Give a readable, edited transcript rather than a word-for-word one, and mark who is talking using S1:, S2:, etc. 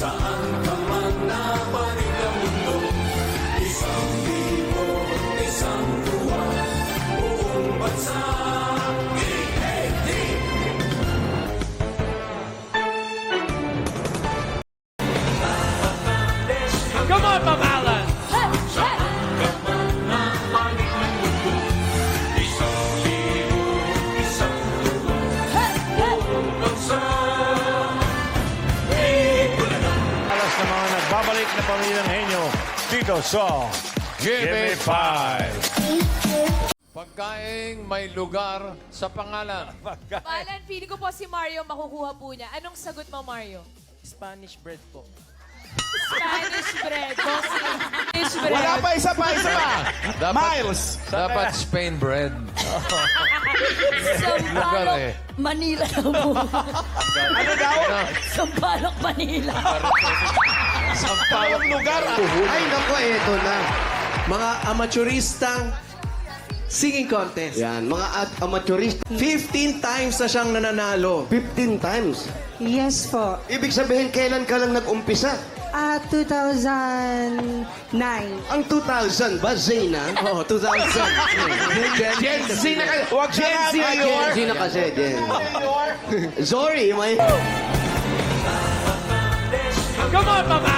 S1: Saan ka man napanig ang mundo, isang libo, isang tuwa, buong bansa.
S2: Come on, Ma'am Alan! Alas na mga nagbabalik na pamilyang henyo dito sa Give Me Five.
S3: Pagkaing may lugar sa pangalan.
S4: Balan, feeling ko po si Mario makukuha po niya. Anong sagot mo, Mario?
S2: Spanish bread po.
S4: Spanish bread. Spanish bread.
S5: Wala pa, isa pa. Miles.
S3: Dapat Spain bread. Lugar eh.
S6: Manila daw po.
S5: Ano daw?
S6: Sampaloc, Manila.
S5: Sampalong lugar.
S7: Ay, naku, eto na. Mga amateuristang singing contest.
S8: Yan, mga amateurist.
S7: 15 times na siyang nananalo.
S8: 15 times.
S9: Yes po.
S8: Ibig sabihin, kailan ka lang nag-umpisa?
S9: 2009.
S8: Ang 2000 ba, Zayna?
S7: Oo, 2000.
S5: Gen Z na kayo. Huwag
S7: Gen Z
S5: na
S7: na
S8: Gen Z na kasi, Gen. Sorry, may...
S2: Come on, Ma'am